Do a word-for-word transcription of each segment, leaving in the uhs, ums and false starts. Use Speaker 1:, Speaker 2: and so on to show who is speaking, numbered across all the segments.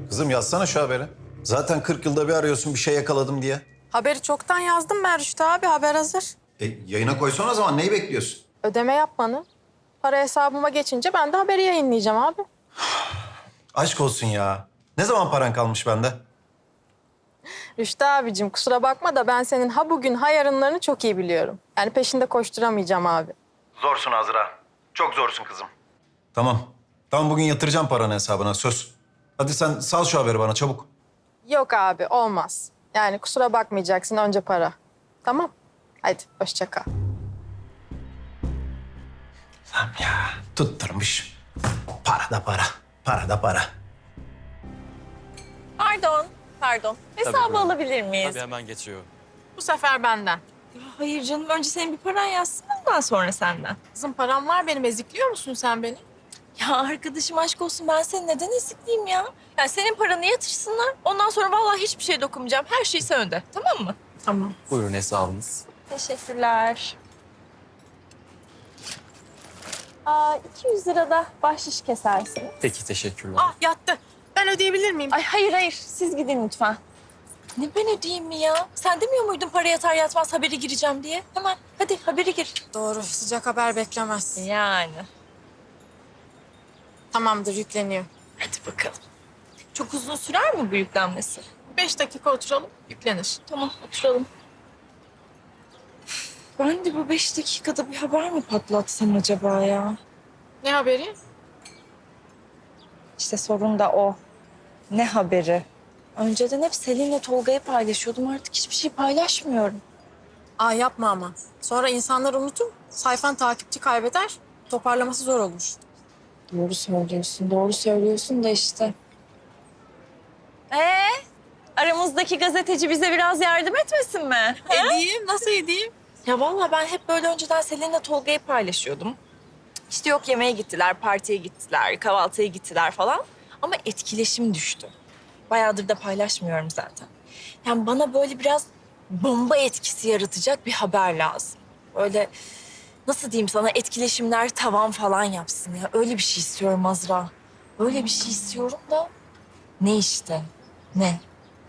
Speaker 1: Kızım yazsana şu haberi. Zaten kırk yılda bir arıyorsun bir şey yakaladım diye.
Speaker 2: Haberi çoktan yazdım ben Rüştü abi. Haber hazır.
Speaker 1: E, yayına koysana o zaman neyi bekliyorsun?
Speaker 2: Ödeme yapmanı. Para hesabıma geçince ben de haberi yayınlayacağım abi.
Speaker 1: Aşk olsun ya. Ne zaman paran kalmış bende?
Speaker 2: Rüştü abicim kusura bakma da ben senin ha bugün ha yarınlarını çok iyi biliyorum. Yani peşinde koşturamayacağım abi.
Speaker 1: Zorsun Azra. Çok zorsun kızım. Tamam. Tamam bugün yatıracağım paranı hesabına söz. Hadi sen sal şu haberi bana çabuk.
Speaker 2: Yok abi olmaz. Yani kusura bakmayacaksın önce para. Tamam. Hadi hoşça kal.
Speaker 1: Tamam ya tutturmuş. Para da para. Para da para.
Speaker 3: Pardon, pardon. Hesabı
Speaker 4: buyurun.
Speaker 3: alabilir miyiz?
Speaker 4: Tabii hemen geçiyor.
Speaker 2: Bu sefer benden.
Speaker 3: Ya hayır canım, önce senin bir paran yazsın, ondan sonra senden.
Speaker 2: Kızım param var benim. Ezikliyor musun sen beni?
Speaker 3: Ya arkadaşım aşk olsun, ben seni neden ezikleyeyim ya? Yani senin paranı yatırsınlar, ondan sonra vallahi hiçbir şey dokunmayacağım. Her şey sen öde, tamam mı?
Speaker 2: Tamam.
Speaker 4: Buyurun hesabınız.
Speaker 3: Teşekkürler. Aa, iki yüz lira da bahşiş kesersin.
Speaker 4: Peki teşekkürler.
Speaker 2: Ah yattı. Ben ödeyebilir miyim?
Speaker 3: Ay hayır hayır, siz gidin lütfen. Ne ben ödeyeyim mi ya? Sen demiyor muydun para yatar yatmaz haberi gireceğim diye? Hemen hadi haberi gir.
Speaker 2: Doğru. Sıcak haber beklemez.
Speaker 3: Yani.
Speaker 2: Tamamdır yükleniyor.
Speaker 3: Hadi bakalım. Çok uzun sürer mi bu yüklenmesi?
Speaker 2: Beş dakika oturalım yüklenir.
Speaker 3: Tamam, oturalım. Ben de bu beş dakikada bir haber mi patlatsam acaba ya?
Speaker 2: Ne haberi?
Speaker 3: İşte sorun da o. Ne haberi? Önceden hep Selin'le Tolga'yı paylaşıyordum. Artık hiçbir şey paylaşmıyorum.
Speaker 2: Aa yapma ama. Sonra insanlar unutur. Sayfan takipçi kaybeder. Toparlaması zor olur.
Speaker 3: Doğru söylüyorsun, doğru söylüyorsun da işte. Ee, aramızdaki gazeteci bize biraz yardım etmesin mi?
Speaker 2: Edeyim. Nasıl edeyim?
Speaker 3: Ya vallahi ben hep böyle önceden Selin'le Tolga'yı paylaşıyordum. İşte yok yemeğe gittiler, partiye gittiler, kahvaltıya gittiler falan. Ama etkileşim düştü. Bayağıdır da paylaşmıyorum zaten. Yani bana böyle biraz bomba etkisi yaratacak bir haber lazım. Öyle nasıl diyeyim sana, etkileşimler tavan falan yapsın ya. Öyle bir şey istiyorum Azra. Öyle bir şey istiyorum da ne işte? Ne?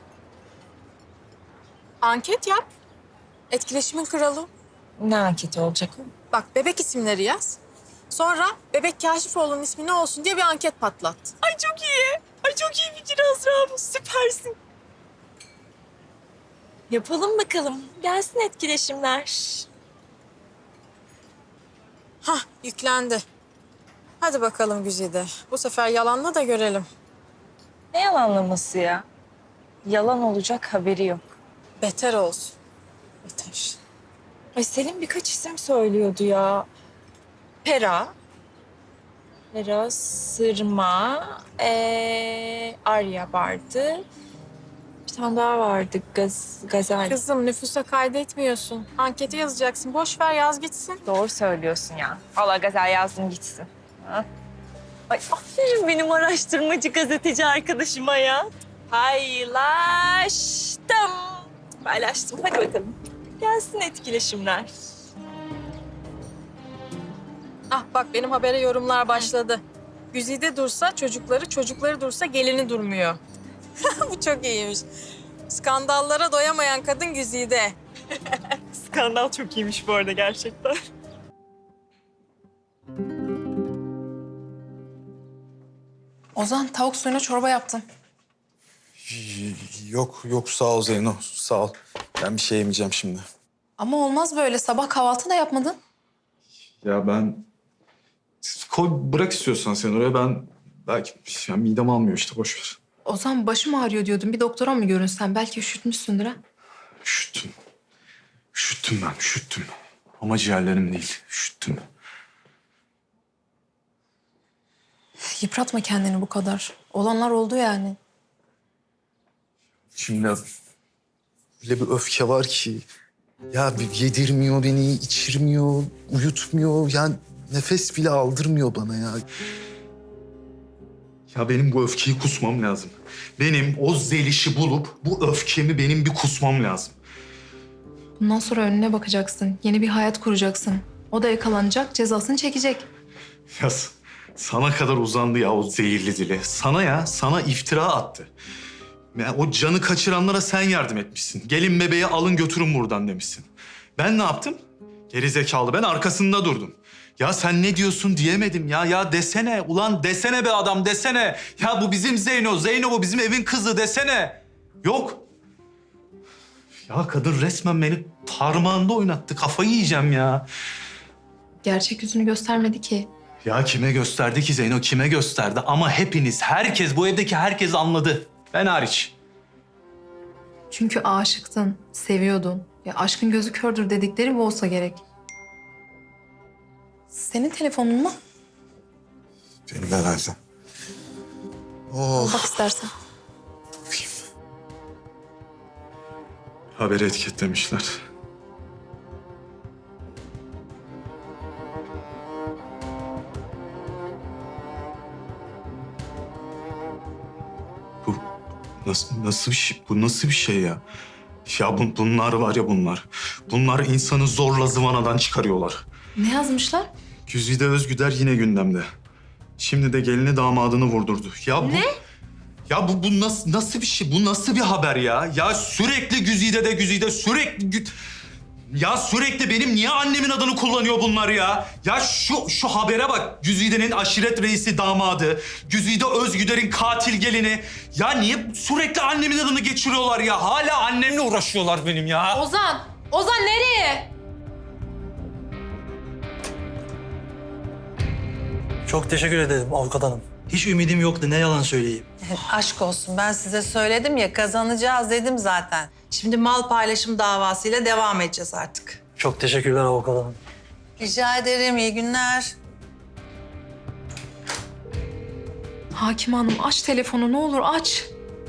Speaker 2: Anket yap. Etkileşimin kralı.
Speaker 3: Ne anketi olacak o?
Speaker 2: Bak bebek isimleri yaz. Sonra bebek Kaşifoğlu'nun ismi ne olsun diye bir anket patlat.
Speaker 3: Ay çok iyi. Ay çok iyi fikir Azra bu. Süpersin. Yapalım bakalım. Gelsin etkileşimler.
Speaker 2: Hah yüklendi. Hadi bakalım Güzide. Bu sefer yalanla da görelim.
Speaker 3: Ne yalanlaması ya? Yalan olacak haberi yok.
Speaker 2: Beter olsun. Beter.
Speaker 3: Ay Selim birkaç isim söylüyordu ya. Pera. Pera, Sırma, ee, Arya vardı. Bir tane daha vardı, Gaz, Gazel.
Speaker 2: Kızım nüfusa kaydetmiyorsun. Ankete yazacaksın. Boş ver yaz gitsin.
Speaker 3: Doğru söylüyorsun ya. Vallahi Gazel yazdım gitsin. Ha? Ay aferin benim araştırmacı gazeteci arkadaşıma ya. Paylaştım. Paylaştım. Hadi bakalım. Gelsin etkileşimler.
Speaker 2: Ah bak benim habere yorumlar başladı. Güzide dursa çocukları, çocukları dursa gelini durmuyor. Bu çok iyiymiş. Skandallara doyamayan kadın Güzide.
Speaker 3: Skandal çok iyiymiş bu arada gerçekten.
Speaker 5: Ozan tavuk suyuna çorba yaptım.
Speaker 6: Yok yok sağ ol Zeyno sağ ol. Ben bir şey yemeyeceğim şimdi.
Speaker 5: Ama olmaz böyle. Sabah kahvaltı da yapmadın.
Speaker 6: Ya ben... Koy bırak istiyorsan sen oraya ben... Belki ya midem almıyor işte boş ver.
Speaker 5: Ozan başım ağrıyor diyordun. Bir doktora mı görünsen? Belki üşütmüşsündür ha.
Speaker 6: Üşüttüm. Üşüttüm ben üşüttüm. Ama ciğerlerim değil üşüttüm.
Speaker 5: Yıpratma kendini bu kadar. Olanlar oldu yani.
Speaker 6: Şimdi öyle bir öfke var ki... Ya bir yedirmiyor beni, içirmiyor, uyutmuyor. Yani nefes bile aldırmıyor bana ya. Ya benim bu öfkeyi kusmam lazım. Benim o Zeliş'i bulup bu öfkemi benim bir kusmam lazım.
Speaker 5: Bundan sonra önüne bakacaksın. Yeni bir hayat kuracaksın. O da yakalanacak, cezasını çekecek.
Speaker 6: Ya Sana kadar uzandı ya o zehirli dili. Sana ya, sana iftira attı. Ya o canı kaçıranlara sen yardım etmişsin. Gelin bebeği alın götürün buradan demişsin. Ben ne yaptım? Geri zekalı, ben arkasında durdum. Ya sen ne diyorsun diyemedim ya. Ya desene, ulan desene be adam, desene. Ya bu bizim Zeyno, Zeyno bu bizim evin kızı desene. Yok. Ya kadın resmen beni parmağında oynattı. Kafayı yiyeceğim ya.
Speaker 5: Gerçek yüzünü göstermedi ki.
Speaker 6: Ya kime gösterdi ki Zeyno, kime gösterdi? Ama hepiniz, herkes, bu evdeki herkes anladı. Ben hariç.
Speaker 5: Çünkü aşıktın, seviyordun. Ya aşkın gözü kördür dedikleri bu olsa gerek. Senin telefonun mu?
Speaker 6: Benim herhalde. Oh.
Speaker 5: Bak istersen.
Speaker 6: Haberi etiketlemişler. Bu nasıl, nasıl bir şey? Bu nasıl bir şey ya? Ya bu, bunlar var ya bunlar. Bunlar insanı zorla zıvanadan çıkarıyorlar.
Speaker 5: Ne yazmışlar?
Speaker 6: Güzide Özgüder yine gündemde. Şimdi de gelini damadını vurdurdu. Ya bu...
Speaker 5: Ne?
Speaker 6: Ya bu, bu nasıl, nasıl bir şey? Bu nasıl bir haber ya? Ya sürekli Güzide de Güzide, sürekli... Gü- Ya sürekli benim niye annemin adını kullanıyor bunlar ya? Ya şu şu habere bak. Güzide'nin aşiret reisi damadı. Güzide Özgüder'in katil gelini. Ya niye sürekli annemin adını geçiriyorlar ya? Hala annemle uğraşıyorlar benim ya.
Speaker 5: Ozan! Ozan nereye?
Speaker 7: Çok teşekkür ederim avukat hanım. Hiç ümidim yoktu, ne yalan söyleyeyim.
Speaker 8: Aşk olsun, ben size söyledim ya, kazanacağız dedim zaten. Şimdi mal paylaşım davasıyla devam edeceğiz artık.
Speaker 7: Çok teşekkürler avukat hanım.
Speaker 8: Rica ederim, iyi günler.
Speaker 5: Hakim Hanım aç telefonu ne olur aç.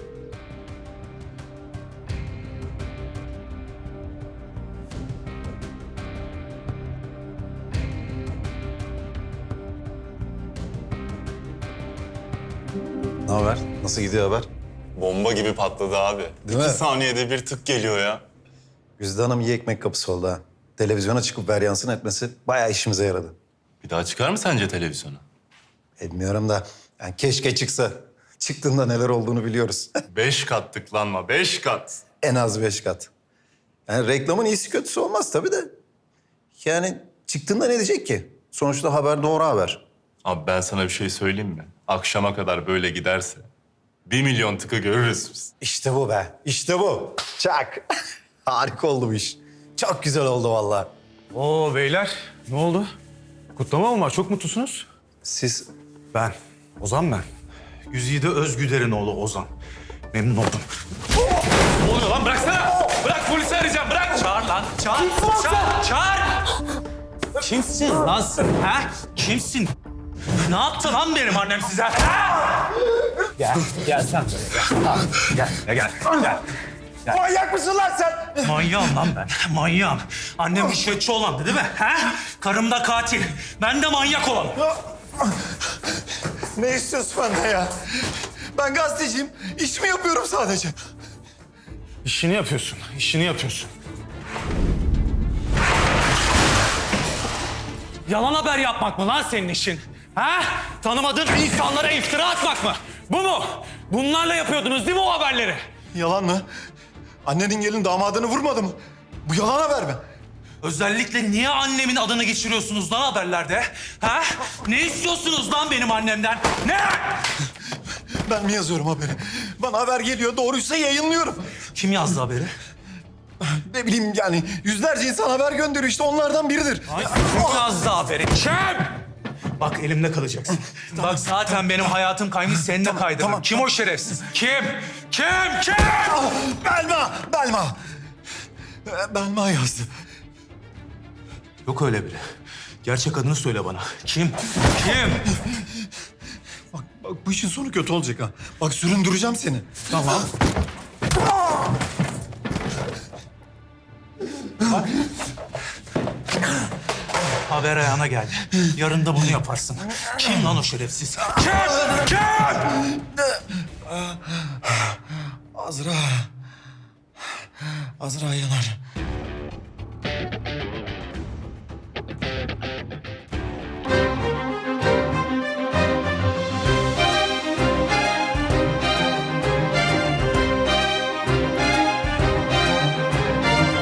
Speaker 1: Ne haber? Nasıl gidiyor haber?
Speaker 9: Bomba gibi patladı abi.
Speaker 1: Değil
Speaker 9: İki
Speaker 1: mi?
Speaker 9: saniyede bir tık geliyor ya.
Speaker 1: Güzide Hanım iyi ekmek kapısı oldu ha. Televizyona çıkıp varyansın etmesi bayağı işimize yaradı.
Speaker 9: Bir daha çıkar mı sence televizyona?
Speaker 1: Bilmiyorum da yani keşke çıksa. Çıktığında neler olduğunu biliyoruz.
Speaker 9: Beş kat tıklanma, beş kat.
Speaker 1: En az beş kat. Yani reklamın iyisi kötüsü olmaz tabii de. Yani çıktığında ne diyecek ki? Sonuçta haber doğru haber.
Speaker 9: Abi ben sana bir şey söyleyeyim mi? Akşama kadar böyle giderse bir milyon tıkı görürüz biz.
Speaker 1: İşte bu be. İşte bu. Çak. Harika oldu bu iş. Çok güzel oldu vallahi.
Speaker 10: Oo beyler, ne oldu? Kutlama mı var? Çok mutlusunuz.
Speaker 1: Siz
Speaker 10: Ben, Ozan ben.
Speaker 6: Güzide Özgüder'in oğlu Ozan. Memnun oldum.
Speaker 10: Ne oluyor lan? Bıraksana! Bırak polisi arayacağım, bırak! Çağır lan, çağır! Çağır! Çağır! Kimsin lan sen, ha? Kimsin? Ne yaptı lan benim annem size? Ha? Gel, gel sen buraya gel. Gel, gel, gel. gel.
Speaker 1: manyak mısın lan sen?
Speaker 10: Manyağım lan ben, manyağım. Annem rüşvetçi olandı değil mi? Ha? Karım da katil. Ben de manyak olan.
Speaker 1: Ne istiyorsun benden ya? Ben gazeteciyim. İş mi yapıyorum sadece?
Speaker 10: İşini yapıyorsun, işini yapıyorsun. Yalan haber yapmak mı lan senin işin? Ha? Tanımadığın insanlara iftira atmak mı? Bu mu? Bunlarla yapıyordunuz değil mi o haberleri?
Speaker 1: Yalan mı? Annenin gelin damadını vurmadı mı? Bu yalan haber mi?
Speaker 10: Özellikle niye annemin adını geçiriyorsunuz lan haberlerde? Ha? Ne istiyorsunuz lan benim annemden? Ne?
Speaker 1: Ben mi yazıyorum haberi? Bana haber geliyor, doğruysa yayınlıyorum.
Speaker 10: Kim yazdı haberi?
Speaker 1: Ne bileyim yani yüzlerce insan haber gönderiyor işte onlardan biridir.
Speaker 10: Ay, kim yazdı haberi? Kim? Bak elimde kalacaksın. Bak zaten benim hayatım kaymış, senin de kaydırırım.
Speaker 1: tamam,
Speaker 10: Kim o şerefsiz? Kim? Kim? Kim?
Speaker 1: Belma, Belma. Ee, Belma yazdı.
Speaker 10: Yok öyle biri. Gerçek adını söyle bana. Kim? Kim?
Speaker 1: Bak, bak bu işin sonu kötü olacak ha. Bak süründüreceğim seni.
Speaker 10: Tamam. Haber ayağına geldi. Yarın da bunu yaparsın. Kim lan o şerefsiz? Kim? Kim?
Speaker 1: Azra. Azra Yanar.